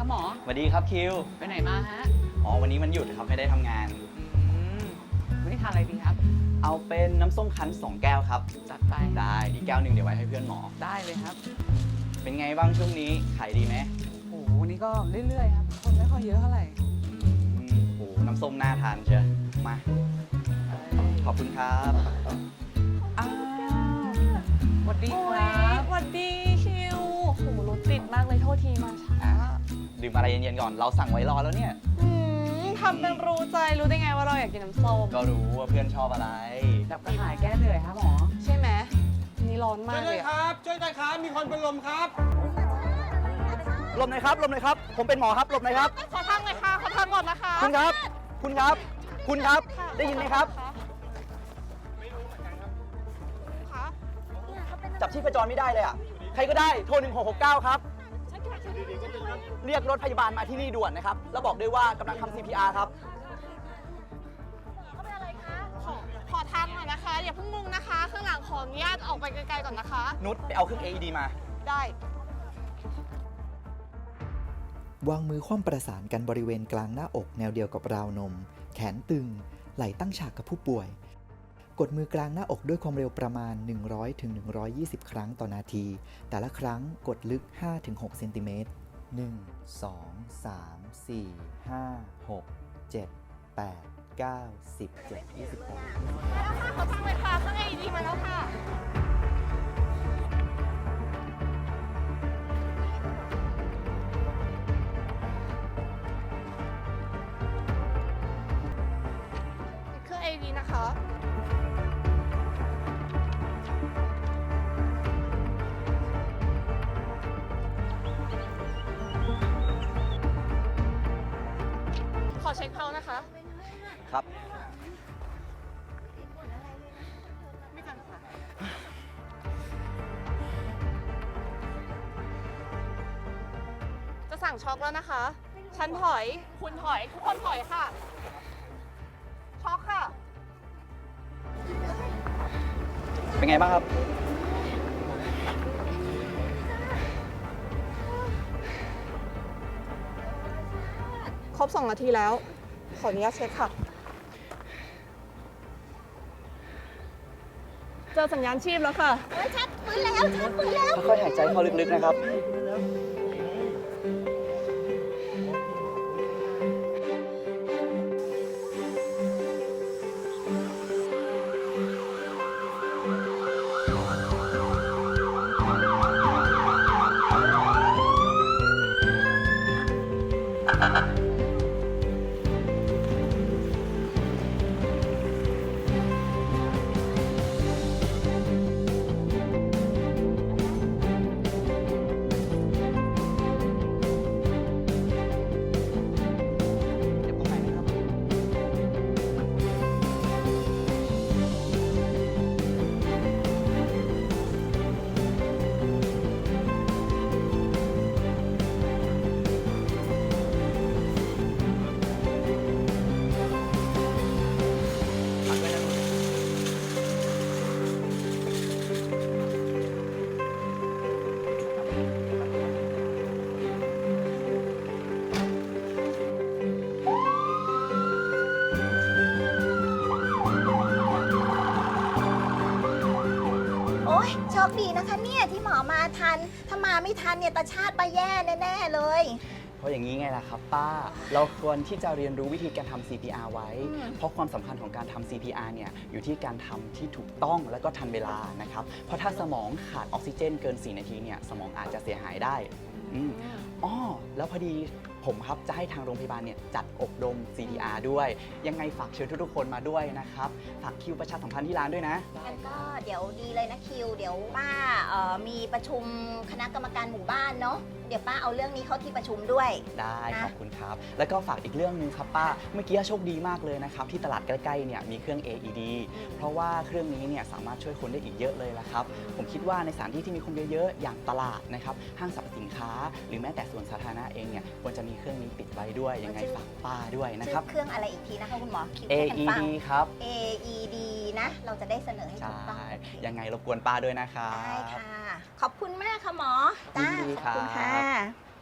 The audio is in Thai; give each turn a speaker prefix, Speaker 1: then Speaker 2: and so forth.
Speaker 1: หมอ
Speaker 2: สวัสดีครับคิว
Speaker 1: ไปไหนมาฮะ
Speaker 2: อ๋อวันนี้มันหยุดครับไม่ได้ทำงาน
Speaker 1: วันนี้ทานอะไรดีครับ
Speaker 2: เอาเป็นน้ำส้มคั้น2 แก้วครับ
Speaker 1: จัดไป
Speaker 2: ได้อีกแก้วหนึ่งเดี๋ยวไว้ให้เพื่อนหมอ
Speaker 1: ได้เลยครับ
Speaker 2: เป็นไงบ้างช่วงนี้ขายดีไหม
Speaker 1: โอ้โหวันนี้ก็เรื่อยๆครับคนไม่ค่อยเยอะเท่าไหร่
Speaker 2: โอ้น้ำส้มน่าทานเชียวมาขอบคุณครับ
Speaker 1: อ้าวสวัสดีครับ
Speaker 3: สวัสดีคิวโหรถติดมากเลยโทษทีมาช้า
Speaker 2: ดื่มอะไรเย็นๆก่อนเราสั่งไว้รอแล้วเนี่ย
Speaker 3: ทำเป็นรู้ใจรู้ได้ไงว่าเราอยากกินน้ำส้ม
Speaker 2: ก็รู้ว่าเพื่อนชอบอะไร
Speaker 1: ดับกระหายแก้เหนื่อยครับหมอ
Speaker 3: ใช่ไหมนี่ร้อนมากเลย
Speaker 4: ครับช่วยด้วยครับมีคนเป็นลมครับ
Speaker 2: หลบหน่อยครับหลบหน่อยครับผมเป็นหมอครับหลบหน่อยครับ
Speaker 3: ขอทางหน่อยค่ะขอทางก่อนนะคะ
Speaker 2: คุณครับคุณครับคุณครับได้ยินไหมครับจับชีพจรไม่ได้เลยอ่ะใครก็ได้โทร1669ครับเรียกรถพยาบาลมาที่นี่ด่วนนะครับแล้วบอกด้วยว่ากำลังทำ CPR ครับ
Speaker 3: เขาเป็นอะไรคะขอทางหน่อยนะคะอย่าเพิ่งงงนะคะข้างหลังขออนุญาตออกไปไกลๆก่อนนะคะ
Speaker 2: นุชไปเอาเครื่อง AED มา
Speaker 3: ได้
Speaker 5: วางมือคว่ำประสานกันบริเวณกลางหน้าอกแนวเดียวกับราวนมแขนตึงไหล่ตั้งฉากกับผู้ป่วยกดมือกลางหน้าอกด้วยความเร็วประมาณ 100-120 ครั้งต่อนาทีแต่ละครั้งกดลึก 5-6 เซนติเมตร 1 2 3 4 5 6 7 8 9 10 11 28
Speaker 3: แล้วค่ะขอทางเลยค่ะข้างในดีมาแล้วค่ะเครื่อง AED นะคะขอเช็คเพานะคะ
Speaker 2: ครับ
Speaker 3: ไม่กันค่ะจะสั่งช็อกแล้วนะคะฉันถอยคุณถอยทุกคนถอยค่ะช็อกค่ะ
Speaker 2: เป็นไงบ้างครับ
Speaker 3: ครบ2 นาทีแล้วขออนุญาตเช็คค่ะเจอสัญญาณชีพแล้วค่ะชัดปืนแล้วชัดปืนแล้ว
Speaker 2: ค่อยๆหายใจเข้าลึกๆนะครับ
Speaker 6: โอ้ยโชคดีนะคะเนี่ยที่หมอมาทันถ้ามาไม่ทันเนี่ยตาชาติไปแย่แน่ๆเลย
Speaker 2: เพราะอย่างนี้ไงล่ะครับป้าเราควรที่จะเรียนรู้วิธีการทำ CPR ไว้เพราะความสำคัญของการทำ CPR เนี่ยอยู่ที่การทำที่ถูกต้องและก็ทันเวลานะครับเพราะถ้าสมองขาดออกซิเจนเกิน4 นาทีเนี่ยสมองอาจจะเสียหายได้อ๋อแล้วพอดีผมครับจะให้ทางโรงพยาบาลเนี่ยจัดอบรม CPR ด้วยยังไงฝากเชิญทุกๆคนมาด้วยนะครับฝากคิวประชาสัมพันธ์ที่ร้านด้วยนะ
Speaker 6: งั้นก็เดี๋ยวดีเลยนะคิวเดี๋ยวป้ามีประชุมคณะกรรมการหมู่บ้านเนาะเดี๋ยวป้าเอาเรื่องนี้เข้าที่ประชุมด้วย
Speaker 2: ได้ขอบคุณครับแล้วก็ฝากอีกเรื่องนึงครับป้าเมื่อกี้โชคดีมากเลยนะครับที่ตลาดใกล้ๆเนี่ยมีเครื่อง AED เพราะว่าเครื่องนี้เนี่ยสามารถช่วยคนได้อีกเยอะเลยละครับผมคิดว่าในสถานที่ที่มีคนเยอะๆอย่างตลาดนะครับห้างสรรพสินค้าหรือแม้แต่สวนสาธารณะเองเนี่ยควรจะมีเครื่องนี้ติดไว้ด้วยยังไงฝากป้าด้วยนะครับ
Speaker 6: เครื่องอะไรอีกทีนะคะคุณหมอคิว
Speaker 2: AED ครับ
Speaker 6: AED นะเราจะได้เสนอให้ถูกต้อง
Speaker 2: ยังไงรบกวนป้าด้วยนะครับ
Speaker 6: ได้ค่ะขอบคุณมากค่ะหมอจ้าขอบคุณค่ะ